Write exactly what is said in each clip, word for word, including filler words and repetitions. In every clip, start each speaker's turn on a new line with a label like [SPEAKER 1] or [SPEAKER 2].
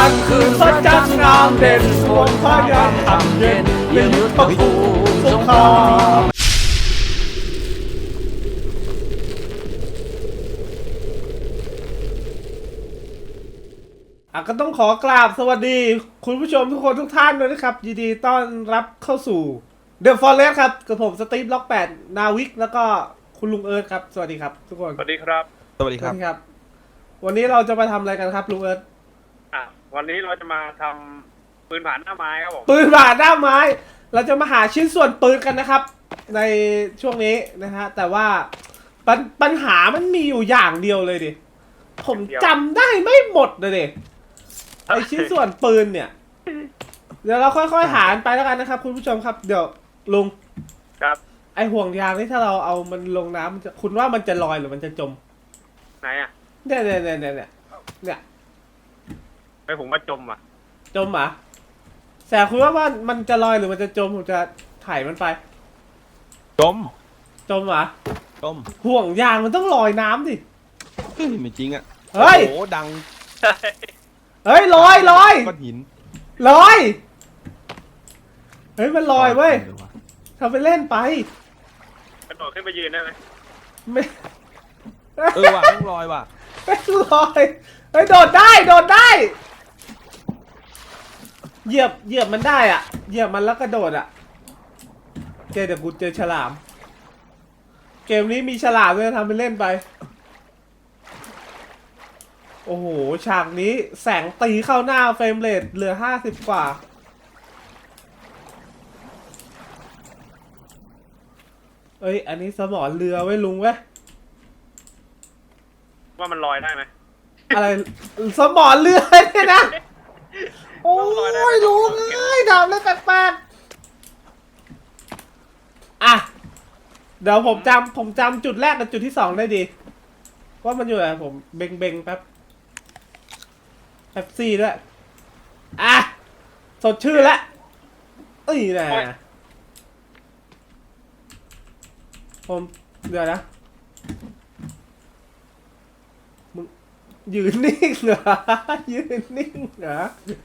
[SPEAKER 1] นคืนพระจันทร์งามเด่นสวงพระยามค่ำเย็นเยี่ยมยุทธภูมิสงครามอ่ะก็ต้องขอกราบสวัสดีคุณผู้ชมทุกคนทุกท่านด้วยนะครับยินดีต้อนรับเข้าสู่เดอะฟอเรสต์ครับกับผมสตีฟล็อกแปดนาวิกแล้วก็คุณลุงเอิร์ธครับสวัสดีครับทุกคน
[SPEAKER 2] สวัสดีครับ
[SPEAKER 3] สวัสดีครับ
[SPEAKER 1] วันนี้เราจะมาทำอะไรกันครับลุงเอิร์ธ
[SPEAKER 2] อ่ะวันนี้เราจะมาทำปืนผ่านหน้าไม้ครับผม
[SPEAKER 1] ปืนผ่านหน้าไม้เราจะมาหาชิ้นส่วนปืนกันนะครับในช่วงนี้นะฮะแต่ว่าปัญปัญหามันมีอยู่อย่างเดียวเลยดิผมจำได้ไม่หมดเลยดิไอชิ้นส่วนปืนเนี่ยเดี๋ยวเราค่อยๆหาไปแล้วกันนะครับคุณผู้ชมครับเดี๋ยวลุง
[SPEAKER 2] ครับ
[SPEAKER 1] ไอห่วงยางนี่ถ้าเราเอามันลงน้ำมันจะคุณว่ามันจะลอยหรือมันจะจม
[SPEAKER 2] ไหนอ่ะ
[SPEAKER 1] เนี่ยเนี่ยเนี่ยเนี่ยเนี่ย
[SPEAKER 2] ไปผมว่าจมอ่ะ
[SPEAKER 1] จมอ่ะแต่คุณว่ามันมันจะลอยหรือมันจะจมผมจะถ่ายมันไป
[SPEAKER 3] จม
[SPEAKER 1] จมอ่ะ
[SPEAKER 3] จม
[SPEAKER 1] ห่วงยางมันต้องลอยน้ำดิ
[SPEAKER 3] ไม่จริงอ่ะ
[SPEAKER 1] เฮ้ย
[SPEAKER 3] โอ้ดัง
[SPEAKER 1] เฮ้ยลอยลอย
[SPEAKER 3] ก้อนหิน
[SPEAKER 1] ลอยเฮ้ยมันลอยเว้ยทำไปเล่นไป
[SPEAKER 2] กระโดดขึ้นไปยืนได้ไหม
[SPEAKER 1] ไม่
[SPEAKER 3] เออว่ะต้องลอยว่ะ
[SPEAKER 1] ไม่ลอยเฮ้ยโดดได้โดดได้เหยียบเหยียบมันได้อ่ะเหยียบมันแล้วก็โดดอ่ะเจเดี๋ยวกูเจอฉลามเกมนี้มีฉลามด้วยทำไปเล่นไปโอ้โหฉากนี้แสงตีเข้าหน้าเฟรมเรทเหลือห้าสิบกว่าเอ้ยอันนี้สมอเรือไว้ลุงเว้ย
[SPEAKER 2] ว่ามันลอยได้ไหม
[SPEAKER 1] อะไรสมอเรือเนี่ยนะโอ้ยลุงเอ้ยดาวเลยแปลกๆอ่ะเดี๋ยวผมจำผมจำจุดแรกกับจุดที่สองได้ดีว่ามันอยู่ไหนผมเบงเบงแป๊บแป๊บซี่ด้วยอ่ะสดชื่อแล้วเอ้ยนะผมเดี๋ยวนะมึงยืนนิ่งเหรอยืนนิ่งเหรอ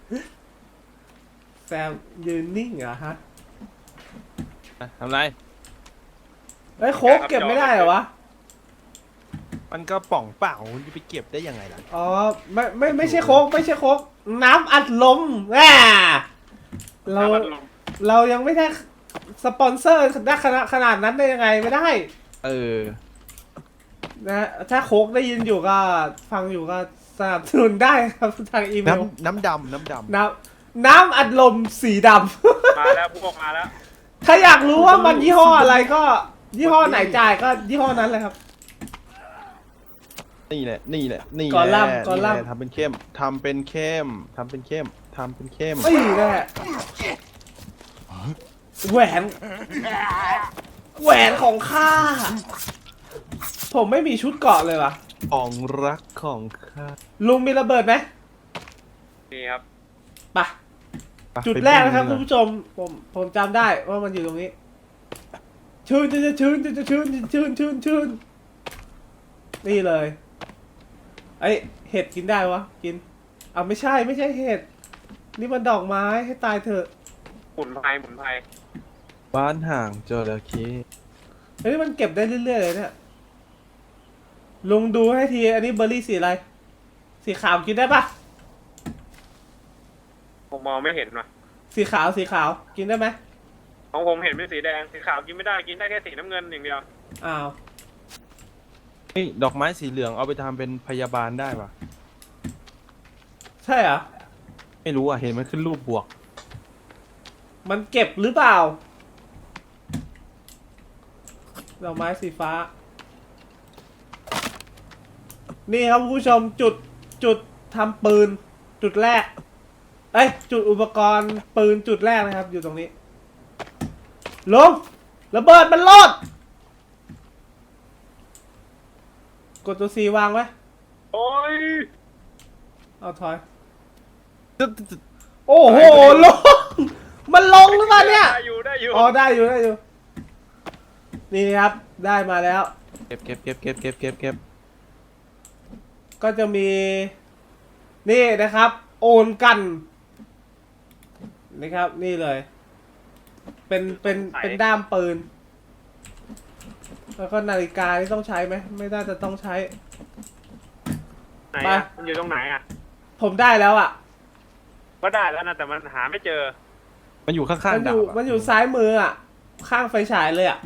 [SPEAKER 1] แซมยืนนิ่งเหรอฮะ
[SPEAKER 3] ทำไร
[SPEAKER 1] เฮ้ยโค้กเก็บไม่ได้เหรอวะ
[SPEAKER 3] มันก็ป่องเปล่าจะไปเก็บได้ยังไงล่ะ
[SPEAKER 1] อ๋อไม่ไม่ไม่ใช่โค้กไม่ใช่โค้กน้ำอัดลมแหมเราเรายังไม่ได้สปอนเซอร์ได้ขนาดขนาดนั้นได้ยังไงไม่ได้
[SPEAKER 3] เออ
[SPEAKER 1] นะถ้าโค้กได้ยินอยู่ก็ฟังอยู่ก็สนับสนุนได้ครับทางอีเมล
[SPEAKER 3] น้ำน้ำดำน้ำดำ
[SPEAKER 1] น้ำน้ำอัดลมสีด
[SPEAKER 2] ำมาแล้วพวกมาแล้ว
[SPEAKER 1] ถ้าอยากรู้ว่ามันยี่ห้ออะไรก็ยี่ห้อไหนจ่ายก็ยี่ห้อนั้นเลยครับ
[SPEAKER 3] นี่แหละนี่แหละนี่
[SPEAKER 1] ก่อนล่ำก่อนล่
[SPEAKER 3] ำทำเป็นเข้มทำเป็นเข้มทำเป็นเข้มทำเป็นเข้ม
[SPEAKER 1] ไม่แน่แหวนแหวนของข้าผมไม่มีชุดเกาะเลยว่ะ
[SPEAKER 3] ของรักของข้า
[SPEAKER 1] ลุงมีระเบิดไหม
[SPEAKER 2] มีครับ
[SPEAKER 1] ปะจุดแรกนะครับคุณผู้ชมผมผมจำได้ว่ามันอยู่ตรงนี้ชื่นจะชื่นจะชื่นชื่นชื่นชื่นนี่เลยไอเห็ดกินได้วะกินเอาไม่ใช่ไม่ใช่เห็ดนี่มันดอกไม้ให้ตายเถอะ
[SPEAKER 2] หมุนไพ่หมุนไพ่
[SPEAKER 3] บ้านห่างจระเข้
[SPEAKER 1] เฮ้ยมันเก็บได้เรื่อยๆเลยเนี่ยลุงดูให้ทีอันนี้เบอร์รี่สีอะไรสีขาวกินได้ปะ
[SPEAKER 2] ผมมองไม่เห็นว่ะ
[SPEAKER 1] สีขาวสีขาวกินได้ไหม
[SPEAKER 2] ของผมเห็นเป็นสีแดงสีขาวกินไม่ได้กินได้แค่สีน้ำเงินอย่างเดียว
[SPEAKER 1] อ้าว
[SPEAKER 3] นี่ดอกไม้สีเหลืองเอาไปทำเป็นพยาบาลได้ปะ
[SPEAKER 1] ใช่เหรอ
[SPEAKER 3] ไม่รู้อ่ะเห็นมันขึ้นรูปบวก
[SPEAKER 1] มันเก็บหรือเปล่าดอกไม้สีฟ้านี่ครับผู้ชมจุดจุดทำปืนจุดแรกเอ้ยจุดอุปกรณ์ปืนจุดแรกนะครับอยู่ตรงนี้ลงระเบิดมันโลดกดตัวซีวางไว้
[SPEAKER 2] โอ้ย
[SPEAKER 1] เอาถอยโอ้โหลงมันลงหรือเปล่าเนี่ย
[SPEAKER 2] ได้อยู่ได้อยู่
[SPEAKER 1] อ๋อได้อยู่ได้อยู่นี่ครับได้มาแล้ว
[SPEAKER 3] เก็บเก็บเก็บเก็บเก็บเก็บเก็บ
[SPEAKER 1] ก็จะมีนี่นะครับโอนกันนะครับ นี่เลย เป็นเป็นเป็นด้ามปืน แล้วก็นาฬิกาที่ต้องใช้ไหมไม่น่าจะต้องใช้
[SPEAKER 2] ไหน
[SPEAKER 1] ไป
[SPEAKER 2] อะมันอยู่ตรงไหนอ่ะ
[SPEAKER 1] ผมได้แล้วอ่ะ
[SPEAKER 2] ก็ได้แล้วนะแต่มันหาไม่เจอ
[SPEAKER 3] มันอยู่ข้าง
[SPEAKER 1] มัน
[SPEAKER 3] ๆ
[SPEAKER 1] อ
[SPEAKER 3] ดา
[SPEAKER 1] ยู่
[SPEAKER 3] บอะ
[SPEAKER 1] มันอยู่ซ้ายมืออ่ะ ข้างไฟฉายเลยอ่ะ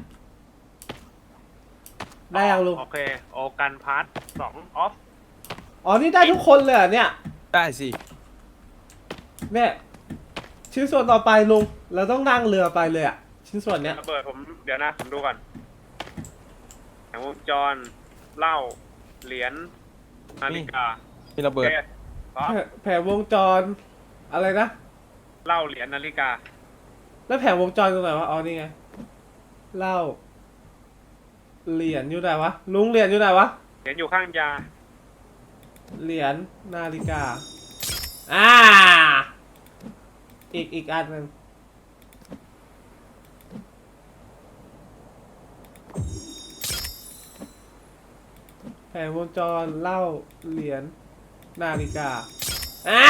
[SPEAKER 1] ได้ยังลุง
[SPEAKER 2] โอเคโอกันพาร์ทสองออฟ
[SPEAKER 1] อ๋อ นี่ได้ทุกคนเลยเหรอเนี่ย
[SPEAKER 3] ได้สิ
[SPEAKER 1] เนี่ยชิ้นส่วนต่อไปลุง เราต้องนั่งเรือไปเลยอ่ะ ชิ้นส่วนเนี้ย
[SPEAKER 2] ระเบิดผมเดี๋ยวนะผมดูก่อนแผงวงจรเหล้าเหรียญนาฬิกา
[SPEAKER 3] มีระ
[SPEAKER 2] โอ
[SPEAKER 3] เบิด
[SPEAKER 2] เคพร้อม
[SPEAKER 1] แผแผงวงจร อะไรนะ
[SPEAKER 2] เหล้าเหรียญนาฬิกา
[SPEAKER 1] แล้วแผงวงจรตรงไหนวะ อ๋อ นี่ไงเหล้าเหรียญอยู่ไหนวะ ลุงเหรียญอยู่ไหนวะ
[SPEAKER 2] เหรียญอยู่ข้างยา
[SPEAKER 1] เหรียญนาฬิกา อ่า อีกอีกอันหนึ่งแผงวงจรเหล้าเหรียญนาฬิกา อ่า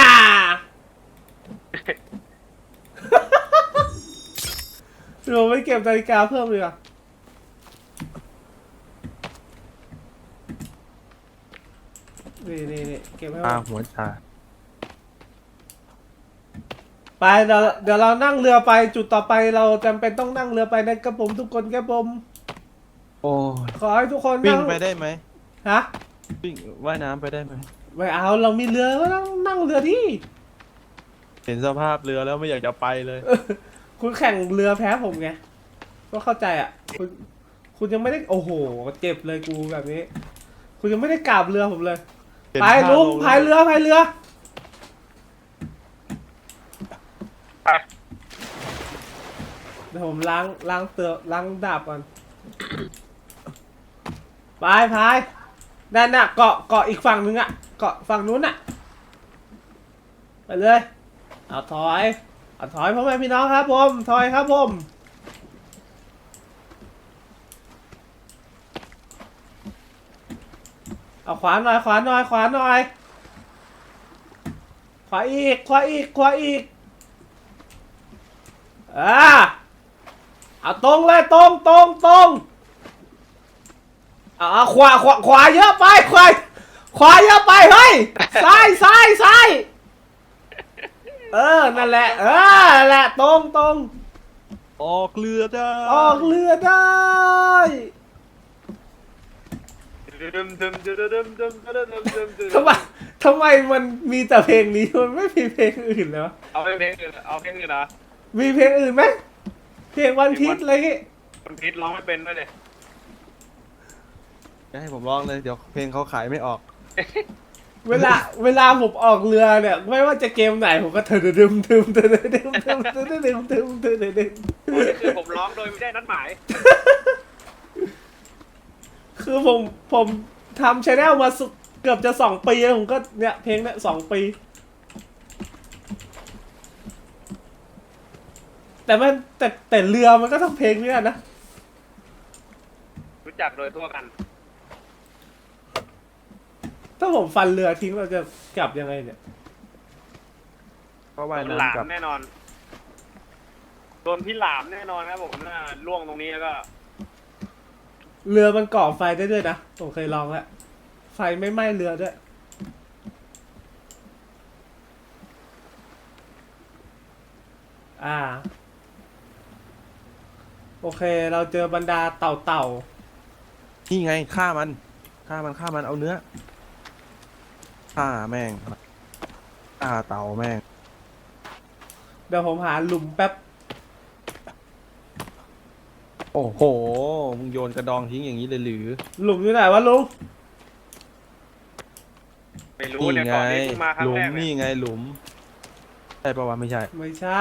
[SPEAKER 1] เราไม่เก็บนาฬิกาเพิ่มเลยอ่ะ นี่นี่นี่เก็บไว้หม
[SPEAKER 3] ตา
[SPEAKER 1] ด
[SPEAKER 3] หัวชา
[SPEAKER 1] ไปเดี๋ยวเดี๋ยวเรานั่งเรือไปจุดต่อไปเราจำเป็นต้องนั่งเรือไปนะครับผมทุกคนครับผม
[SPEAKER 3] โอ้ย
[SPEAKER 1] ขอให้ทุกคน
[SPEAKER 3] วิ่
[SPEAKER 1] นั่
[SPEAKER 3] ง
[SPEAKER 1] ง
[SPEAKER 3] ไปได้ไหม
[SPEAKER 1] ฮะ
[SPEAKER 3] วิ่งว่ายน้ำไปได้ไหม
[SPEAKER 1] ไม่เอาเรามีเรือก็นั่งนั่งเรือที่
[SPEAKER 3] เห็นสภาพเรือแล้วไม่อยากจะไปเลย
[SPEAKER 1] คุณแข่งเรือแพ้ผมไงก็เข้าใจอ่ะ คุณคุณยังไม่ได้โอ้โหเจ็บเลยกูแบบนี้ คุณยังไม่ได้กราบเรือผมเลย
[SPEAKER 3] เห็น
[SPEAKER 1] ไป
[SPEAKER 3] ท่า
[SPEAKER 1] ลุง
[SPEAKER 3] ลง
[SPEAKER 1] พายเรือพายเรือ
[SPEAKER 2] ไป
[SPEAKER 1] เดี๋ยวผมล้างล้างเตือล้างดาบก่อนไปพายนั่นน่ะเกาะเกาะอีกฝั่งนึงอ่ะเกาะฝั่งนู้นอ่ะไปเลยเอาถอยเอาถอยพ่อแม่พี่น้องครับผมถอยครับผมเอาขวาหน่อยขวาหน่อยขวาหน่อยขวาอีกขวาอีกขวาอีกอ่าเอาตรงเลยตรงตรงตรงเอาเอาขวาขวาขวาเยอะไปขวาขวาเยอะไปเฮ้ยซ้ายซ้ายซ้ายเออนั่นแหละเออนั่นแหละตรงตรง
[SPEAKER 3] ออกเรือได้
[SPEAKER 1] ออกเรือได้
[SPEAKER 2] ดึมดึมดึมดึมดึมดึมดึมดึมดึม
[SPEAKER 1] ทำไมทำไมมันมีแต่เพลงนี้มันไม่มีเพลงอื่นเลยวะ
[SPEAKER 2] เอาเพลงอื่นเอาเพลงอื่นเหรอ
[SPEAKER 1] มีเพลงอื่นไหมเพลงวันพีชอะไรงี้
[SPEAKER 2] คนพิษร้องไม่เป็นด้วยเลย
[SPEAKER 3] จะให้ผมร้องเลยเดี๋ยวเพลงเขาขายไม่ออก
[SPEAKER 1] เวลาเวลาผมออกเรือเนี่ย ไม่ว่าจะเกมไหนผมก็เธอดึมดึมเธอดึมดึมเธอดึมดึมเธอดึมเธอดึม
[SPEAKER 2] นี่คือผมร้องโดยไม่ได้นัดหมาย
[SPEAKER 1] คือผมผมทำชแนลมาสุดเกือบจะสองปีแล้วผมก็เนี่ยเพลงเนี่ยสองปี แต่มันแต่แต่เรือมันก็ต้องเพลงนี้นะ
[SPEAKER 2] รู้จักโดยทั่วกัน
[SPEAKER 1] ถ้าผมฟันเรือทิ้งเราจะกลับยังไงเนี่ย
[SPEAKER 3] เพราะว่าย
[SPEAKER 2] โดนหลาม
[SPEAKER 3] น้ำกับ
[SPEAKER 2] แน่นอน โดนพี่หลามแน่นอนครับผมน่าล่วงตรงนี้แล้วก็
[SPEAKER 1] เรือมันก่อไฟได้ด้วยนะผมเคยลองแล้วไฟไม่ไหม้เรือด้วย อ่า โอเคเราเจอบรรดาเต่าเต่า
[SPEAKER 3] นี่ไงฆ่ามันฆ่ามันฆ่ามันเอาเนื้อฆ่าแม่งฆ่าเต่าแม่ง
[SPEAKER 1] เดี๋ยวผมหาหลุมแป๊บ
[SPEAKER 3] โอ้โหมึงโยนกระดองทิ้งอย่างนี้เลยหรือ
[SPEAKER 1] หลุมอยู่ไหนวะลุง
[SPEAKER 2] ไม่รู้
[SPEAKER 3] นี่
[SPEAKER 2] เนี่ย
[SPEAKER 3] ไง
[SPEAKER 2] ก่อนนี้เพิ่งมาครั้
[SPEAKER 3] ห
[SPEAKER 2] ง
[SPEAKER 3] ลุ
[SPEAKER 2] แร
[SPEAKER 3] ม
[SPEAKER 2] ก
[SPEAKER 3] นี่
[SPEAKER 2] เนี่ย
[SPEAKER 3] ไงหลุมใช่ปะวะไม่ใช่
[SPEAKER 1] ไม่ใช่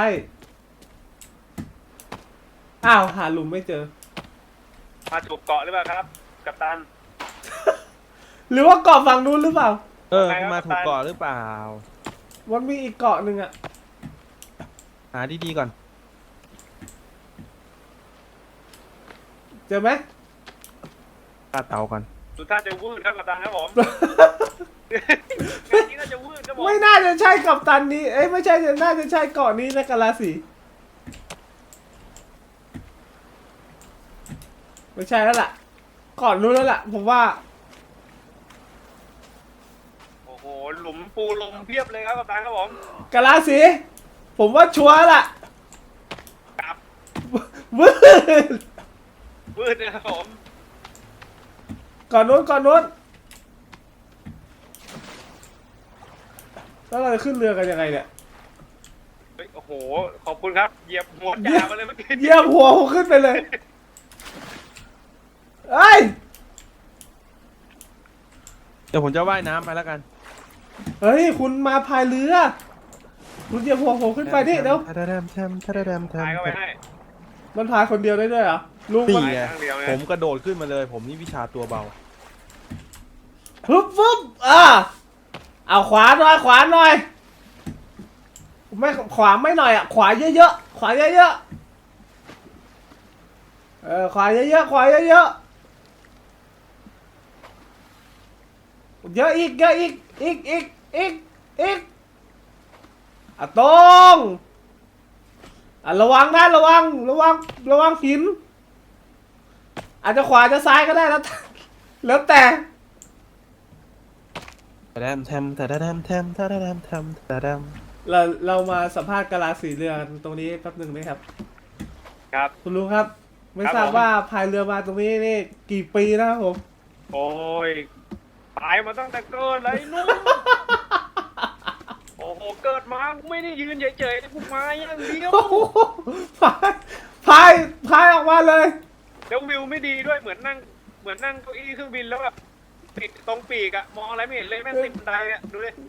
[SPEAKER 1] อ้าวหาหลุมไม่เจอ
[SPEAKER 2] มาถูกเกาะหรือเปล่าครับ กัปตัน
[SPEAKER 1] หรือว่าเกาะฝั่งนู้นหรือเปล่า
[SPEAKER 3] เออ
[SPEAKER 2] ไงครับ
[SPEAKER 3] มาถูกเกาะหรือเปล่า
[SPEAKER 1] มันมีอีกเกาะหนึ่งอะ
[SPEAKER 3] หาดีๆก่อน
[SPEAKER 1] เจอไหม
[SPEAKER 3] ฆ่าเต่าก่อน
[SPEAKER 2] สุดท้ายจะวืดครับกัปตันครับผมงานนี้น่าจะวืดครับผม
[SPEAKER 1] ไม่น่าจะใช่กัปตันนี้ เอ้ยไม่ใช่น่าจะใช่เกาะนี้นะกาลาสีไม่ใช่แล้วล่ะก่อนรู้แล้วล่ะ ผมว่า
[SPEAKER 2] โอ้โหหลุมปูลมเพียบเลยครับกัปตันครับผม
[SPEAKER 1] กาลาสี ผมว่าชัวร์ล่ะ
[SPEAKER 2] กับ
[SPEAKER 1] วืด
[SPEAKER 2] วืดนะครับผม
[SPEAKER 1] ก่อนนู้นก่อนนู้นแล้วเราจะขึ้นเรือกันยังไงเนี่ย
[SPEAKER 2] เฮ้ยโอ้โหขอบคุณครับเหยียบหัวจ่ามาเลยเมื่อกี้
[SPEAKER 1] เยี่ยมหัวผมขึ้นไปเลยเอ้ย
[SPEAKER 3] เดี๋ยวผมจะว่ายน้ำไปแล้วกัน
[SPEAKER 1] เฮ้ย คุณมาพายเรือ คุณเหยียบหัวผมขึ้นไปดิเดี๋ยว
[SPEAKER 3] ทะดามแทมทะดามแทม
[SPEAKER 2] ตายเข้าไปให้
[SPEAKER 1] มันพายคนเดียวได้ด้วยเหรอลุง
[SPEAKER 3] นี่
[SPEAKER 1] มัน
[SPEAKER 3] ไง
[SPEAKER 2] ข้างเดียวไง
[SPEAKER 3] ผมกระโดดขึ้นมาเลย ผมนี่วิชาตัวเบา
[SPEAKER 1] ฟึบฟึบอ่าเอาขวาหน่อยขวาหน่อยไม่ขวาไม่หน่อยอ่ะขวาเยอะๆขวาเยอะๆเออขวาเยอะๆขวาเยอะๆเยอะอีกเยอะอีกอีกอีกอีกอีกอ่ะตรงอ่ะระวังนะระวังระวังระวังหินอาจจะขวาจะซ้ายก็ได้แล้วแล้วแต่
[SPEAKER 3] ทะดามแทมทะดามแทมทะดามแทมทะดาม
[SPEAKER 1] เราเรามาสัมภาษณ์กะลาสีเรือกันตรงนี้แป๊บหนึ่งไหมครับ
[SPEAKER 2] ครับ
[SPEAKER 1] คุณลุงครับ ไม่
[SPEAKER 2] ครับ
[SPEAKER 1] ทราบ
[SPEAKER 2] ผม
[SPEAKER 1] ว่าพายเรือมาตรงนี้นี่กี่ปีนะครับผม
[SPEAKER 2] โอ้ยตายมาตั้งแต่เกิดเลยนุ่มโอ้โหเกิดมากูไม่ได้ยืนเฉยๆกูมาอย่างเดียว
[SPEAKER 1] โอ้โหพายพายพายออกมาเลย
[SPEAKER 2] แล้ววิวไม่ดีด้วยเหมือนนั่งเหมือนนั่งเก้าอี้เครื่องบินแล้วแบบติดตรงปีกอะมองอะไรไม่เห็นเลยแม่งติดบันไดอะดูดิ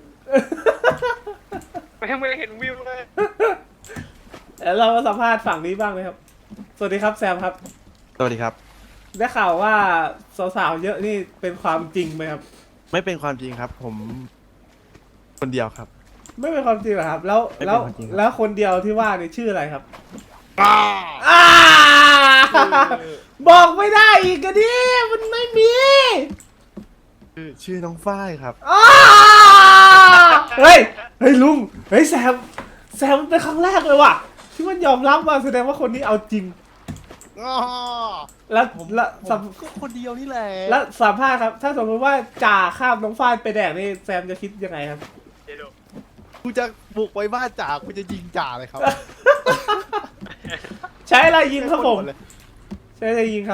[SPEAKER 2] แม่งไม่เห็นวิวเลย
[SPEAKER 1] เดี๋ยวเรามาสัมภาษณ์ฝั่งนี้บ้างเลยครับ สวัสดีครับแซมครับ
[SPEAKER 3] สวัสดีครับ
[SPEAKER 1] ได้ข่าวว่าสาวๆเยอะนี่เป็นความจริงไหมครับ
[SPEAKER 3] ไม่เป็นความจริงครับ ผม คนเดียวครับ
[SPEAKER 1] ไม่เป็นความจริงเหรอครับ แล้ว
[SPEAKER 3] ไม่เป็น
[SPEAKER 1] แล้ว
[SPEAKER 3] ความจริงครับ
[SPEAKER 1] แล้วคนเดียวที่ว่านี่ชื่ออะไรครับอ่าบอกไม่ได้อีกอะดิมันไม่มี
[SPEAKER 3] ชื่อชื่อน้องฝ้ายครับ
[SPEAKER 1] อ้าเฮ้ย เฮ้ยลุง เฮ้ยแซม แซมเป็นครั้งแรกเลยว่ะ ที่มันยอมรับว่าแสดงว่าคนนี้เอาจริง แล้ว
[SPEAKER 3] ผม
[SPEAKER 1] แล้ว
[SPEAKER 3] ผ
[SPEAKER 1] สัม
[SPEAKER 3] มก็คนเดียวนี่แหละ
[SPEAKER 1] แล้วสัมภาษณ์ครับ ถ้าสมมติว่าจ่าข้ามน้องฟ้านไปแดกนี่แซมจะคิดยังไงครับ
[SPEAKER 2] เดี๋ยวดู
[SPEAKER 4] กูจะบุกไปบ้านจ่ากูจะยิงจ่าเลยครับ
[SPEAKER 1] ใช้อะไรยิงครับผม
[SPEAKER 4] หดเลย
[SPEAKER 1] ใช้อะไรยิงครับ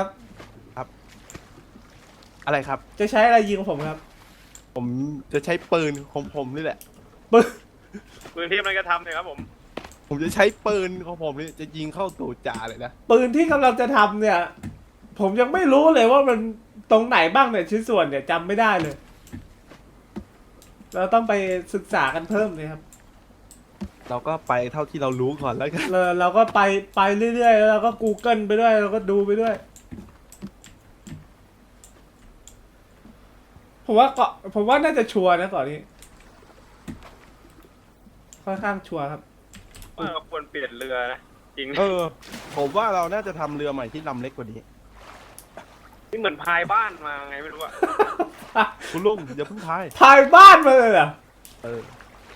[SPEAKER 3] อะไรครับ
[SPEAKER 1] จะใช้อะไรยิงผมครับ
[SPEAKER 3] ผมจะใช้ปืนของผมนี่แหละ
[SPEAKER 1] ปืน
[SPEAKER 2] ปืนที่มันจะทำเนี่ยครับผม
[SPEAKER 3] ผมจะใช้ปืนของผมนี่จะยิงเข้าตูดจ่าเลยนะ
[SPEAKER 1] ปืนที่กำลังจะทำเนี่ย ผมยังไม่รู้เลยว่ามันตรงไหนบ้างเนี่ยชิ้นส่วนเนี่ยจำไม่ได้เลย เราต้องไปศึกษากันเพิ่มเลยครับ
[SPEAKER 3] เราก็ไปเท่าที่เรารู้ก่อนแล้วกัน
[SPEAKER 1] เราเราก็ไปไปเรื่อยๆแล้วเราก็ Google ไปด้วยเราก็ดูไปด้วย ผมว่าเกาะผมว่าน่าจะชัวร์นะก่อนนี้ ค่อนข้างชัวร์ครับ
[SPEAKER 2] ว่าเราควรเปลี่ยนเรือนะจริง
[SPEAKER 3] เออ ผมว่าเราน่าจะทำเรือใหม่ที่ลำเล็กกว่านี้
[SPEAKER 2] นี่เหมือนพายบ้านมาไงไม่รู้อะ
[SPEAKER 3] คุณลุงอย่าเพิ่งพาย
[SPEAKER 1] พายบ้านมาเลยเหรอ
[SPEAKER 3] เออ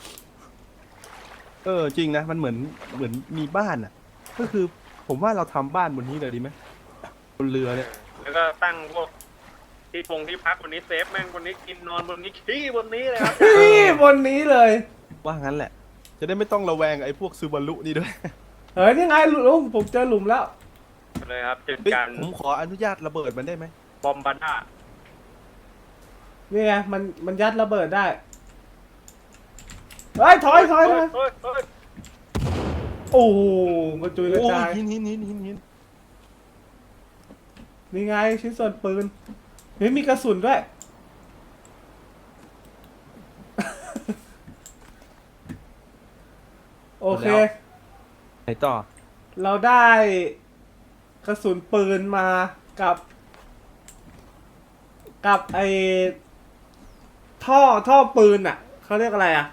[SPEAKER 3] เออ จริงนะ มันเหมือนเหมือนมีบ้านอ่ะ ก็คือผมว่าเราทำบ้านบนนี้เลยดีไหมบนเรือเนี่ย
[SPEAKER 2] แล้วก็ตั้งพวกที่พงที่พักบนนี้เซฟแม่งบนนี้กินนอนบนนี้ขี้บนนี้เลยครับ
[SPEAKER 1] นี่บนนี้เลย
[SPEAKER 3] ว่างั้นแหละ จะได้ไม่ต้องระแวงไอ้พวกซูบารุนี่ด้วย
[SPEAKER 1] เฮ้ยนี่ไงลุงผมเจอหลุมแล้ว
[SPEAKER 2] เลยครับจัด
[SPEAKER 3] เฮ้ย
[SPEAKER 2] การ
[SPEAKER 3] ผมขออนุญาตระเบิดมันได้ไหม
[SPEAKER 2] บอมบาร่า
[SPEAKER 1] นี่ไงมันมันยัดระเบิดได้ เฮ้ยถอยถอยถอย
[SPEAKER 2] เฮ้ยเฮ้ย
[SPEAKER 1] โอ้โหกระจุยกระ
[SPEAKER 3] โอ้
[SPEAKER 1] จาย ย
[SPEAKER 3] หินหินหินหินหิน
[SPEAKER 1] นี่ไงชิ้นส่วนปืนเฮ้ยมีกระสุนด้วย โอเค
[SPEAKER 3] ไหนต่อ
[SPEAKER 1] เราได้กระสุนปืนมากับ กับไอท่อท่อปืนอ่ะเขาเรียกอะไรอ่ะ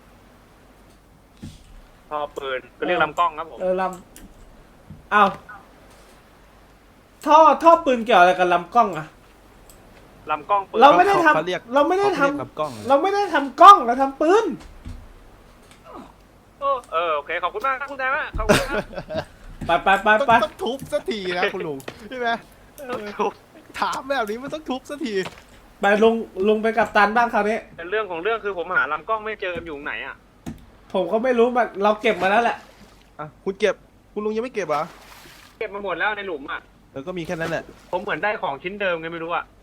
[SPEAKER 2] พอปืนก็เรียกลำกล้องครับผม
[SPEAKER 1] เออลำอ้าวท่อท่อปืนเกี่ยวอะไรกับลำกล้องอ่ะ
[SPEAKER 2] ลำกล้องปืน
[SPEAKER 1] เราไม่ได้ท
[SPEAKER 3] เขาเรียก
[SPEAKER 1] ำเราไม่ได้ท
[SPEAKER 3] เขาเรียกลำกล้อง
[SPEAKER 1] ำเราไม่ได้ทำกล้องเราทำปืน
[SPEAKER 2] เออเออโอเคขอบคุณมากครับคุณแดงขอบคุณครับ
[SPEAKER 1] ไปไปไป
[SPEAKER 4] ต้อง
[SPEAKER 1] ไป
[SPEAKER 4] ต้องทุบสักทีนะคุณลุงใช่ไหมเออถามแบบนี้มันต้องทุบสักที
[SPEAKER 1] ไปลุงลุงไปกับตันบ้างคราวนี้
[SPEAKER 2] แต่เรื่องของเรื่องคือผมหาลำกล้องไม่เจออยู่ไหนอ่ะ
[SPEAKER 1] ผมก็ไม่รู้มันเราเก็บมาแล้วแหละ
[SPEAKER 3] อ่ะคุณเก็บคุณลุงยังไม่เก็บเหรอ
[SPEAKER 2] เก็บมาหมดแล้วในหลุมอ่ะ
[SPEAKER 3] เออก็มีแค่นั้นแหละ
[SPEAKER 2] ผมเหมือนได้ของชิ้นเดิมไงไม่รู้อ่ะ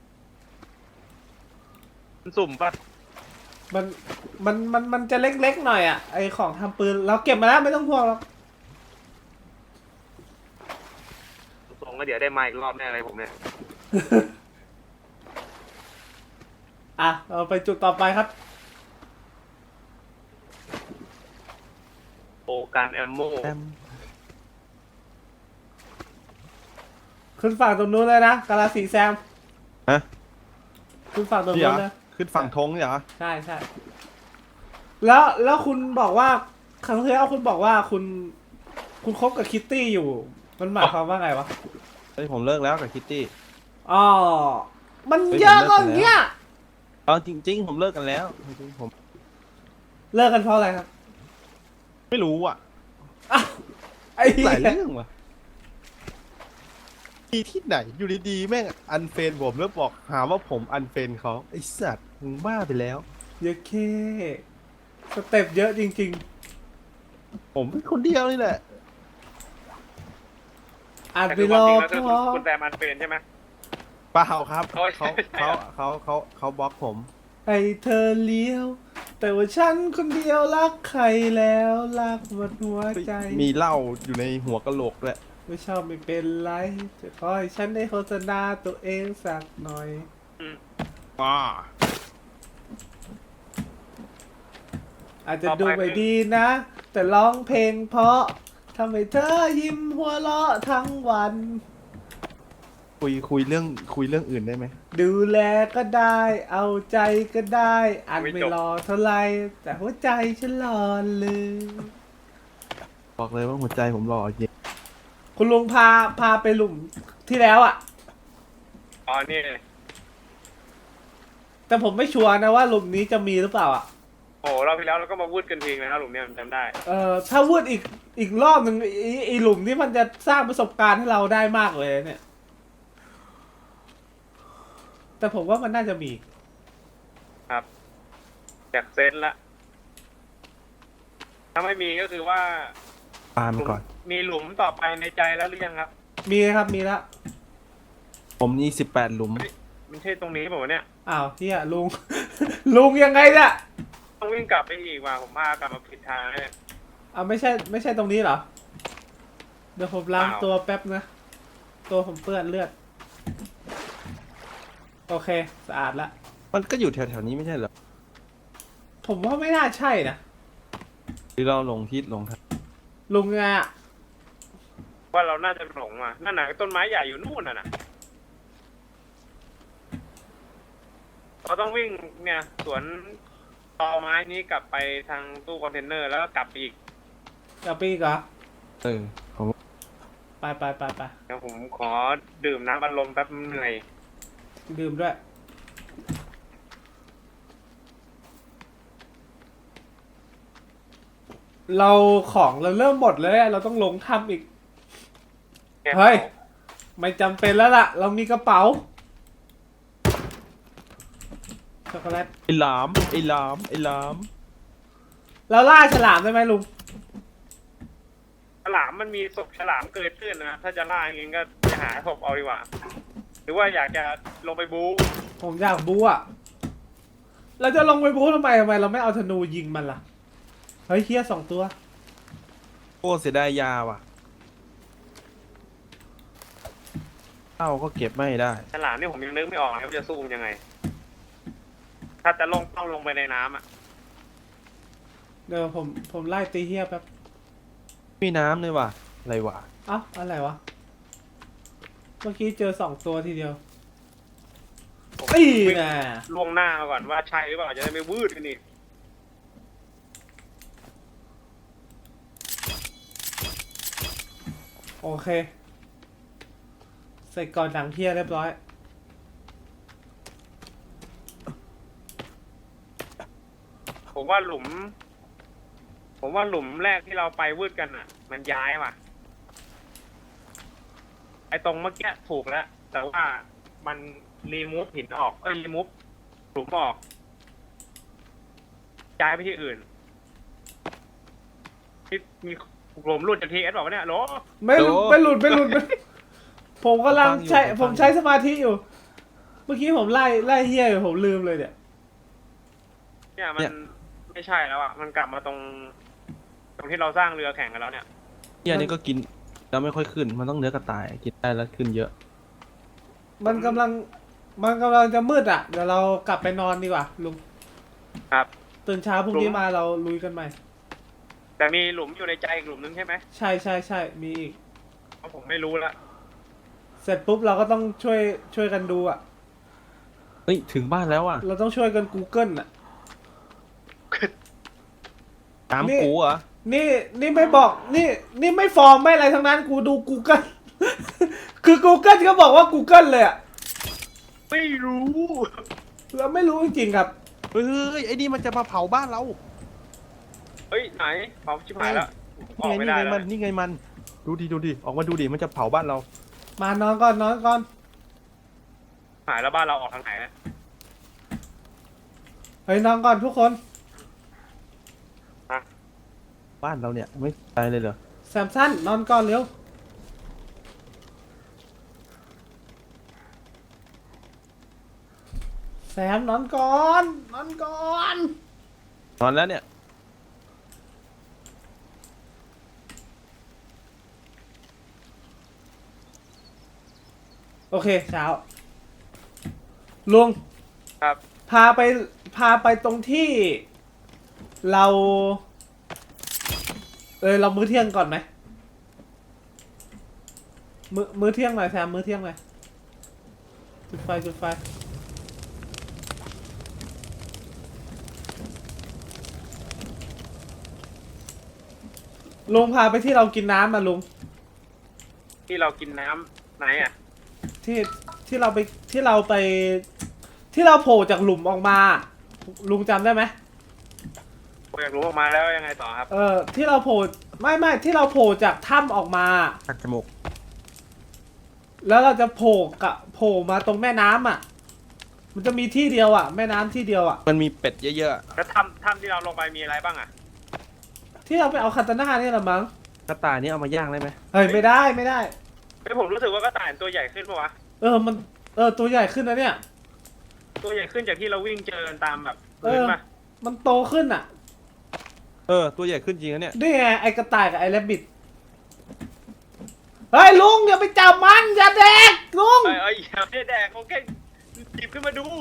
[SPEAKER 2] มันสุ่มปะ
[SPEAKER 1] มันมันมันมันจะเล็กๆหน่อยอ่ะไอของทำปืนเราเก็บมาแล้วไม่ต้องห่วงหรอก
[SPEAKER 2] ส่งก็เดี๋ยวได้มาอีกรอบแน่เลยผมเนี่ย
[SPEAKER 1] อ่ะเราไปจุดต่อไปครับ
[SPEAKER 2] โอการแอมโม
[SPEAKER 3] แอม
[SPEAKER 1] ขึ้นฝั่งตรงนู้นเลยนะกาลาสีแซม
[SPEAKER 3] ฮะ
[SPEAKER 1] ขึ้นฝั่งตรง
[SPEAKER 3] นี่เหร
[SPEAKER 1] นู้
[SPEAKER 3] อน
[SPEAKER 1] นะ
[SPEAKER 3] ขึ้นฝั่งธงเนี่ยเหรอ
[SPEAKER 1] ใช่ใช่แล้วแล้วคุณบอกว่าครั้งที่แล้วคุณบอกว่าคุณ คุณคบกับคิตตี้อยู่ มันหมายความว่าไงวะ
[SPEAKER 3] เฮ้ยผมเลิกแล้วกับคิตตี้
[SPEAKER 1] อ๋อมัน
[SPEAKER 3] เฮ้ย
[SPEAKER 1] เยอะ
[SPEAKER 3] ผมเลิ
[SPEAKER 1] ก็
[SPEAKER 3] ก
[SPEAKER 1] อ
[SPEAKER 3] ไปแล้ว
[SPEAKER 1] ย่างเงี้ย
[SPEAKER 3] เอาจริง ๆ ผมเลิกกันแล้วจริงๆผม
[SPEAKER 1] เลิกกันเพราะอะไรครับ
[SPEAKER 3] ไม่รู้อ่ะ
[SPEAKER 1] อ้าวไอ้
[SPEAKER 3] หลายเรื่องว่ะ
[SPEAKER 4] มีที่ไหนอยู่ดีๆแม่งอันเฟนผมแล้วบอกหาว่าผมอันเฟนเขาไอ้สัตว์มึงบ้าไปแล้ว
[SPEAKER 1] เยอะเคสเต็ปเยอะจริง
[SPEAKER 4] ผมเป็นคนเดียวนี่แหละ
[SPEAKER 1] ๆอาจ
[SPEAKER 2] แต่
[SPEAKER 1] ไป
[SPEAKER 2] คือค
[SPEAKER 1] ร
[SPEAKER 2] วาม
[SPEAKER 1] อ
[SPEAKER 2] จริงแล้ว
[SPEAKER 1] พ
[SPEAKER 2] คือ
[SPEAKER 1] อ
[SPEAKER 2] คุณแดมันเป็นใช่ไหม
[SPEAKER 4] เปล่าครับ
[SPEAKER 2] โอ้ย
[SPEAKER 4] เขาเขาเขาเขาเขาบล็อกผม
[SPEAKER 1] ให้เธอเลี้ยว แต่ว่าฉันคนเดียวรักใครแล้วรักหมดหัวใจ
[SPEAKER 3] มีเหล้าอยู่ในหัวกะโหลกด้วย
[SPEAKER 1] ไม่ชอบไม่เป็นไรจะขอให้ฉันได้โฆษณาตัวเองสักหน่อย
[SPEAKER 3] ว้า
[SPEAKER 1] อาจจะดูไม่ดีนะ แต่ร้องเพลงเพราะทำให้เธอยิ้มหัวเราะทั้งวัน
[SPEAKER 3] คุยคุยเรื่องคุยเรื่องอื่นได้ไหม
[SPEAKER 1] ดูแลก็ได้ เอาใจก็ได้อันไม่รอเท่าไรแต่หัวใจฉันรอลืม
[SPEAKER 3] บอกเลยว่าหัวใจผมหล่อจริง
[SPEAKER 1] คุณลุงพาพาไปหลุมที่แล้วอะ
[SPEAKER 2] อ๋อนี่
[SPEAKER 1] แต่ผมไม่ชัวร์นะว่าหลุมนี้จะมีหรือเปล่าอะ
[SPEAKER 2] โอ้เราไปแล้วเราก็มาวูดกันทิ้งนะครับหลุมเนี่ยจำได้
[SPEAKER 1] เอ่อถ้าวูดอีกอีกรอบหนึ่งไอ้ไอีหลุมที่มันจะสร้างประสบการณ์ให้เราได้มากเลยเนี่ย แต่ผมว่ามันน่าจะมี
[SPEAKER 2] ครับจากเซนละถ้าไม่มีก็คือว่า
[SPEAKER 3] ปาล์มก่อน
[SPEAKER 2] มีหลุมต่อไปในใจแล้วหรือยังครับ
[SPEAKER 1] มีครับมีแล้ว
[SPEAKER 3] ผมนี่สิบแปดหลุม
[SPEAKER 2] ไม่ใช่ตรงนี้ผมเนี่ย
[SPEAKER 1] อ้าวเฮียลุง ลุงยังไงเนี่ย
[SPEAKER 2] ต้องวิ่งกลับไปอีกว่าผมพากลับมาผิดทางเนี่ย
[SPEAKER 1] อ้าวไม่ใช่ไม่ใช่ตรงนี้เหรอ เดี๋ยวผมล้าง
[SPEAKER 2] อ้าว
[SPEAKER 1] ตัวแป๊บนะ ตัวผมเปื้อนเลือด โอเค สะอาดละ
[SPEAKER 3] มันก็อยู่แถวๆนี้ไม่ใช่เหรอ
[SPEAKER 1] ผมว่าไม่น่าใช่นะ
[SPEAKER 3] หรือเราลงทิศลงทาง
[SPEAKER 1] ลุงไงอะ
[SPEAKER 2] ว่าเราน่าจะหลงมานั่นน่ะต้นไม้ใหญ่อยู่นู่นน่ะนะเราต้องวิ่งเนี่ยสวนตอไม้นี้กลับไปทางตู้คอนเทนเนอร์แล้วก็กลับไปอีก
[SPEAKER 1] จะปีกเหรอ
[SPEAKER 3] เออผม
[SPEAKER 1] ไปไปไปไป
[SPEAKER 2] เดี๋ยวผมขอดื่มน้ำอัดลมแป๊บเหนื่อย
[SPEAKER 1] ดื่มด้วย เราของเราเริ่มหมดเลยอะเราต้องลงถ้ำอีก
[SPEAKER 2] แก้
[SPEAKER 1] เฮ้ย ไม่จำเป็นแล้วล่ะ เรามีกระเป๋า ช็อกโกแลต
[SPEAKER 3] ไอ้หลามไอ้หลามไอ้หลาม
[SPEAKER 1] เราล่าฉลามได้ไหมลุง
[SPEAKER 2] ฉลามมันมีศพฉลามเกิดขึ้นนะถ้าจะล่าเองก็ไปหาศพเอาดีกว่า หรือว่าอยากจะลงไปบู๊
[SPEAKER 1] ผมอยากบู๊อ่ะ เราจะลงไปบู๊ทำไมทำไม เราไม่เอาธนูยิงมันล่ะ เฮ้ยเฮียสองตัว
[SPEAKER 3] โอ้เสียดายยาว่ะเต้าก็เก็บไม่ได้
[SPEAKER 2] ฉลามนี่ผมยังนึกไม่ออกเลยว่าจะสู้มันยังไง ถ้าจะลงต้องลงไปในน้ำอ่ะ
[SPEAKER 1] เดี๋ยวผมผมไล่ตีเฮียแป๊บ
[SPEAKER 3] มีน้ำเลยว่ะอะไรวะ
[SPEAKER 1] เอ้าอะไรวะ เมื่อกี้เจอสองตัวทีเดียว
[SPEAKER 2] ผม
[SPEAKER 1] อี
[SPEAKER 2] วิ่ง
[SPEAKER 1] น่ะ
[SPEAKER 2] ล่วงหน้ามาก่อนว่าใช่หรือเปล่าจะได้ไม่วืดกันอีก
[SPEAKER 1] โอเค ใส่ก่อนหนังเฮียเรียบร้อย
[SPEAKER 2] ว่าหลุม ผมว่าหลุมแรกที่เราไปวืดกันอ่ะ มันย้ายว่ะ ไอ้ตรงเมื่อกี้ถูกแล้ว แต่ว่ามันรีมูฟหินออก เอ้ยรีมูฟหลุมออก ย้ายไปที่อื่นที่มีหลุมรุ่นจากทีเอสบอกว่าเนี่ยโหล
[SPEAKER 1] ไม่หลุดไม่หลุดไม่หลุดไม่ผมกำลังใช้ผมใช้สมาธิอยู่ เมื่อกี้ผมไล่ไล่เฮียอยู่ผมลืมเลยเนี่ย
[SPEAKER 2] เนี่ยมันไม่ใช่แล้วอ่ะ มันกลับมาตรง ตรงที่เราสร้างเรือแข่งกันแล้วเนี่ย
[SPEAKER 3] เฮียนี่ก็กินแล้วไม่ค่อยขึ้น มันต้องเนื้อกระต่ายกินได้แล้วขึ้นเยอะ
[SPEAKER 1] มันกำลังมันกำลังจะมืดอ่ะ เดี๋ยวเรากลับไปนอนดีกว่าลุง
[SPEAKER 2] ครับ
[SPEAKER 1] ตื่นเช้าพรุ่งนี้มาเราลุยกันใหม่
[SPEAKER 2] แต่มีหลุมอยู่ในใจอีกหลุมนึงใช่ไหม
[SPEAKER 1] ใช่ใช่ใช่มีอีก
[SPEAKER 2] เพราะผมไม่รู้ละ
[SPEAKER 1] เสร็จปุ๊บเราก็ต้องช่วยช่วยกันดูอ่ะ
[SPEAKER 3] เฮ้ยถึงบ้านแล้วอ่ะ
[SPEAKER 1] เราต้องช่วยกัน Google อ่ะ
[SPEAKER 3] ตาม
[SPEAKER 1] นี่
[SPEAKER 3] กูเหรอ
[SPEAKER 1] นี่นี่ไม่บอกนี่นี่ไม่ฟอร์มไม่อะไรทั้งนั้นกูดู Google คือ Google ก็บอกว่า Google เลยอ่ะ
[SPEAKER 2] ไม่รู้
[SPEAKER 1] เราไม่รู้จริงๆครับ
[SPEAKER 3] เฮ้ยไอ้นี่มันจะมาเผาบ้านเรา
[SPEAKER 2] เฮ้ยไหนเผาชิบหายแล้วออก
[SPEAKER 3] นี่
[SPEAKER 2] ไม่
[SPEAKER 3] ไง
[SPEAKER 2] ได้
[SPEAKER 3] นี่ไง
[SPEAKER 2] แล้ว
[SPEAKER 3] มันนี่ไงมัน ดูดิดูดิออกมาดูดิมันจะเผาบ้านเรา
[SPEAKER 1] มานอนก่อนนอนก่อน
[SPEAKER 2] หายแล้วบ้านเราออกทางไหนนะ
[SPEAKER 1] เฮ้ยนอนก่อนทุกคน
[SPEAKER 3] บ้านเราเนี่ยไม่ตายเลยเหรอ
[SPEAKER 1] แซมสันนอนก่อนเร็วแซมนอนก่อนนอนก่อน
[SPEAKER 3] นอนแล้วเนี่ย
[SPEAKER 1] โอเคเช้าลุง
[SPEAKER 2] ครับ
[SPEAKER 1] พาไปพาไปตรงที่เรา เออเรามื้อเที่ยงก่อนไหมมื้อมื้อเที่ยงหน่อยแซมมื้อเที่ยงหน่อยจุดไฟจุดไฟลุงพาไปที่เรากินน้ำมาลุง
[SPEAKER 2] ที่เรากินน้ำไหนอ่ะ
[SPEAKER 1] ที่ที่เราไปที่เราไป ที่เราโผล่จากหลุมออกมา ลุงจำได้ไหม
[SPEAKER 2] ผมอยากรู้ออกมาแล้วยังไงต่อครับ
[SPEAKER 1] เออที่เราโผล่ไม่ไม่ที่เราโผล่จากถ้ำออกมา
[SPEAKER 3] ตักจมูก
[SPEAKER 1] แล้วเราจะโผล่กะโผล่มาตรงแม่น้ำอ่ะ มันจะมีที่เดียวอ่ะ แม่น้ำที่เดียวอ่ะ
[SPEAKER 3] มันมีเป็ดเยอะๆอะ
[SPEAKER 2] แล้วถ้ำถ้ำที่เราลงไปมีอะไรบ้างอ่ะ
[SPEAKER 1] ที่เราไปเอาคาตาน่าเนี่ยแหละมั้ง
[SPEAKER 3] กระต่ายนี่เอามาย่างได้ไหม
[SPEAKER 1] เฮ้ยไม่ได้ไม่ได้
[SPEAKER 2] เฮ้ยผมรู้สึกว่ากระต่ายตัวใหญ่ขึ้นปะวะ
[SPEAKER 1] เออมันเออตัวใหญ่ขึ้นนะเนี่ย
[SPEAKER 2] ตัวใหญ่ขึ้นจากที่เราวิ่งเจอตามแบบ
[SPEAKER 1] เอ
[SPEAKER 2] พื้น
[SPEAKER 1] อ
[SPEAKER 2] มา
[SPEAKER 1] มันโตขึ้นอ่ะ
[SPEAKER 3] เออตัวใหญ่ขึ้นจริงนะเนี่ย
[SPEAKER 1] นี่ไงไอ้กระต่ายกับไอ้แรบบิทเฮ้ยลุงอย่าไปจับมันอย่าแดกลุง
[SPEAKER 2] เอ้ยเอ้ยอย่าให้แดกโอเคหยิบขึ้นมาดู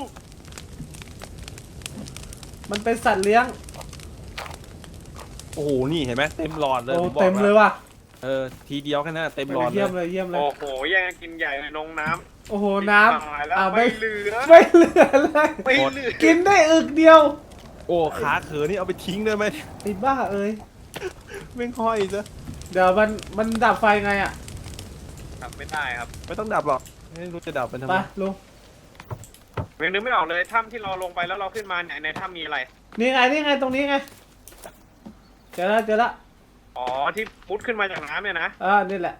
[SPEAKER 1] มันเป็นสัตว์เลี้ยง
[SPEAKER 3] โอ้โหนี่เห็นไหมเต็มหลอดเลย
[SPEAKER 1] โอ้
[SPEAKER 3] ผมบอก
[SPEAKER 1] เต็มเลย
[SPEAKER 3] แว
[SPEAKER 1] ว่ะ
[SPEAKER 3] เออทีเดียวแค่นั้นเต็มหลอดเล
[SPEAKER 1] เยี่ย
[SPEAKER 3] ย
[SPEAKER 1] มเลยเยี่ยมเลย
[SPEAKER 2] โอ้โหแย่งกันกินใหญ่เลยนงน้ำ
[SPEAKER 1] โอ้โหน้ำ
[SPEAKER 2] ตายแล้ว
[SPEAKER 1] อ่า
[SPEAKER 2] ไม่
[SPEAKER 1] ไม่
[SPEAKER 2] เหลือ
[SPEAKER 1] ไม่เหลือเลย
[SPEAKER 2] ไม่เหลือ
[SPEAKER 1] กินได้อึกเดียว
[SPEAKER 3] โอ้ขาเขือนี่เอาไปทิ้งได้ไหม
[SPEAKER 1] ไอ้บ้าเอ้ย
[SPEAKER 3] ไม่งห้อยซะ
[SPEAKER 1] เดี๋ยวมันมันดับไฟไงอ่ะ
[SPEAKER 2] ทำไม่ได้ครับ
[SPEAKER 3] ไม่ต้องดับหรอกไม่รู้จะดับเป็นทำ
[SPEAKER 1] ไป
[SPEAKER 3] ไม
[SPEAKER 1] ลุง
[SPEAKER 2] ยังนึกไม่ออกเลยถ้ำที่เราลงไปแล้วเราขึ้นมาเนี่ยในถ้ำมีอะไร
[SPEAKER 1] นี่ไงนี่ไงตรงนี้ไงเจอแล้วเจอแล้ว
[SPEAKER 2] อ๋อที่พุทขึ้นมาจากน้ำเนี่ยนะ
[SPEAKER 1] อ่านี่แหละ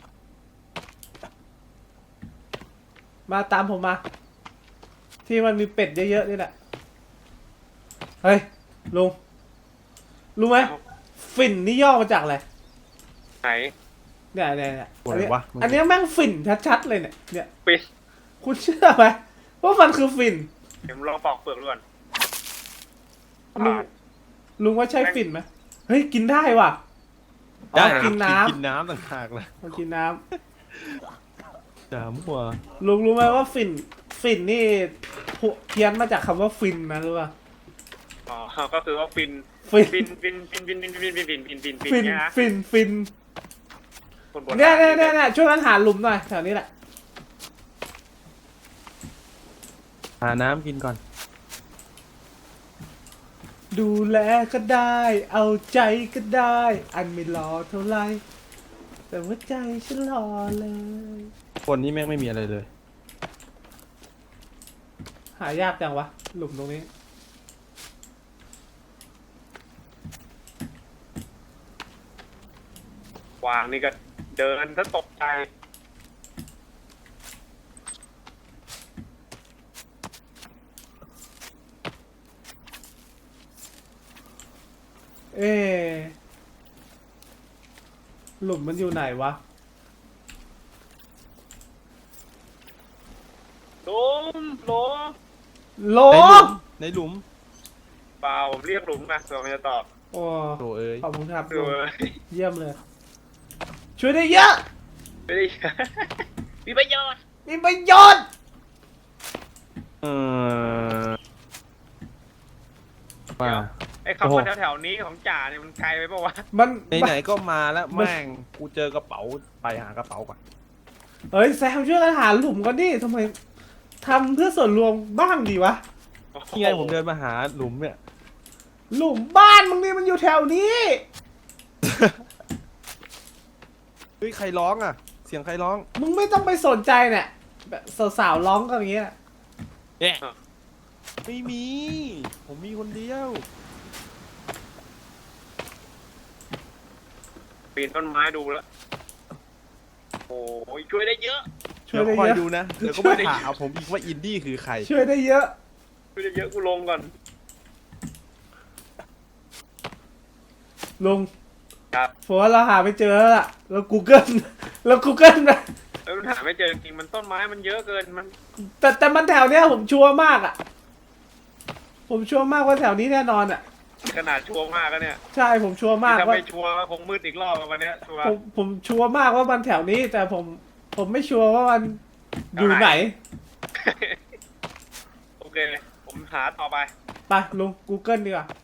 [SPEAKER 1] มาตามผมมา ที่มันมีเป็ดเยอะๆนี่แหละเฮ้ยลุงรู้ไหมฝิ่นนี่ย่อมาจากอะไร
[SPEAKER 2] ไหน
[SPEAKER 1] เนี่ยเนี่ยเนี่ย
[SPEAKER 3] ตัว
[SPEAKER 1] อั
[SPEAKER 3] อะ
[SPEAKER 1] น
[SPEAKER 3] ไร
[SPEAKER 1] เนี้ย
[SPEAKER 3] วะ
[SPEAKER 1] อันเนี้ยแม่งฝิ่นชัดๆเลยเนี่ยเนี่ย
[SPEAKER 2] ปิด
[SPEAKER 1] คุณเชื่อไหมว่ามันคือฝิ่น
[SPEAKER 2] เดี๋ยวลองปอกเปลือกดูก่อน
[SPEAKER 1] ลุงลุงว่าใช่ฝิ่นไหมเฮ้ยกินได้ว่ะ
[SPEAKER 3] ได้
[SPEAKER 1] อ๋อกินน้
[SPEAKER 3] กินน้ำต่างหากเลย
[SPEAKER 1] ำมันกินน้
[SPEAKER 3] ด่ามั่ว
[SPEAKER 1] ำลุงรู้ไหมว่าฝิ่นฝิ่นนี่เพี้ยนมาจากคำว่าฟินนะรู้ป่ะ
[SPEAKER 2] อ๋อก็คือว่าฟิน
[SPEAKER 1] ฟิน
[SPEAKER 2] ฟินฟินฟินฟินฟินฟินฟินฟินฟินฟินฟิน
[SPEAKER 1] ฟิน
[SPEAKER 2] เนี่ยนะ
[SPEAKER 1] ฟินฟิน
[SPEAKER 2] คนโบราณ
[SPEAKER 1] เนี่ยเนี่ยเนี่ยเนี่ยช่วยกันหาหลุมหน่อยแถวนี้แหละ
[SPEAKER 3] หาน้ำกินก่อน
[SPEAKER 1] ดูแลก็ได้ เอาใจก็ได้ อันไม่รอเท่าไรแต่ว่าใจฉันรอเลย
[SPEAKER 3] คนนี้แม่งไม่มีอะไรเลย
[SPEAKER 1] หายากจังวะหลุมตรงนี้
[SPEAKER 2] วางนี่ก็เดินถ้าตกใจ
[SPEAKER 1] เอ๊ะหลุมมันอยู่ไหนวะ
[SPEAKER 2] ลุมโหล
[SPEAKER 1] โล
[SPEAKER 4] ในหลุม
[SPEAKER 2] เปล่าผมเรียกหลุมนะเผื่อมันจะตอบ
[SPEAKER 1] โอ้
[SPEAKER 4] ในหลุมโถเอ้ย
[SPEAKER 1] ขอบคุณครับ
[SPEAKER 2] ดู
[SPEAKER 1] ลุง
[SPEAKER 2] เลย
[SPEAKER 1] เยี่ยมเลย ช่วยได้เยอะ
[SPEAKER 2] ไม่ได้ มีประโยชน์
[SPEAKER 1] มีประโยชน์
[SPEAKER 3] เออมา
[SPEAKER 2] ไอ้คำว่าแถวๆนี้ของจ่าเนี่ยมันไกลไปปะวะ
[SPEAKER 1] มัน
[SPEAKER 3] ไหนๆก็มาแล้วแม่งกูเจอกระเป๋าไปหากระเป๋าก่อน
[SPEAKER 1] เฮ้ยแซมช่วยกันหาหลุมก่อนดิทำไมทำเพื่อส่วนรวมบ้างดีวะ
[SPEAKER 3] นี่ไงผมเดินมาหาหลุมเนี่ย
[SPEAKER 1] หลุมบ้านมึงนี่มันอยู่แถวนี้
[SPEAKER 3] เฮ้ยใครร้องอ่ะ เสียงใครร้อง
[SPEAKER 1] มึงไม่ต้องไปสนใจเนี่ยแบบสาวๆร้องกันอย่างเงี้ย
[SPEAKER 3] เนี่ยไม่มี ผมมีคนเดียว
[SPEAKER 2] ปีนต้นไม้ดูแล้วโอ้ยช่วยได้เยอะ
[SPEAKER 1] ช่วย
[SPEAKER 3] เดี๋ยว
[SPEAKER 1] ได้
[SPEAKER 3] คอย
[SPEAKER 1] เยอะ
[SPEAKER 3] ดูนะ เดี๋ยวก็มาถามผมอีกว่าอินดี้คือใคร
[SPEAKER 1] ช่วยได้เยอะ
[SPEAKER 2] ช่วยได้เยอะกูลงก่อน
[SPEAKER 1] ลุง
[SPEAKER 2] ครับ
[SPEAKER 1] ผมว่าเราหาไม่เจอแล้วล่ะเรา Google เรา Google นะ
[SPEAKER 2] แล้วมันหาไม่เจอจริงๆมันต้นไม้มันเยอะเกินมัน
[SPEAKER 1] แต่แต่มันแถวเนี้ยผมชัวร์มากอ่ะ ผมชัวร์มากว่าแถวนี้แน่นอนอ่ะ
[SPEAKER 2] ขนาดชัวร์มากแล้วเนี่ย
[SPEAKER 1] ใช่ผมชัวร์มาก
[SPEAKER 2] ถ้า
[SPEAKER 1] ว่า
[SPEAKER 2] ไม่ชัวร์ก็คงมืดอีกรอบอะวันเนี้ยชัวร์
[SPEAKER 1] ผมผมชัวร์มากว่ามันแถวนี้ แต่ผมผมไม่ชัวร์ว่ามันอยู่ไหน
[SPEAKER 2] โอเค ผมหาต่อไป
[SPEAKER 1] ไปลุง Google ดีกว่า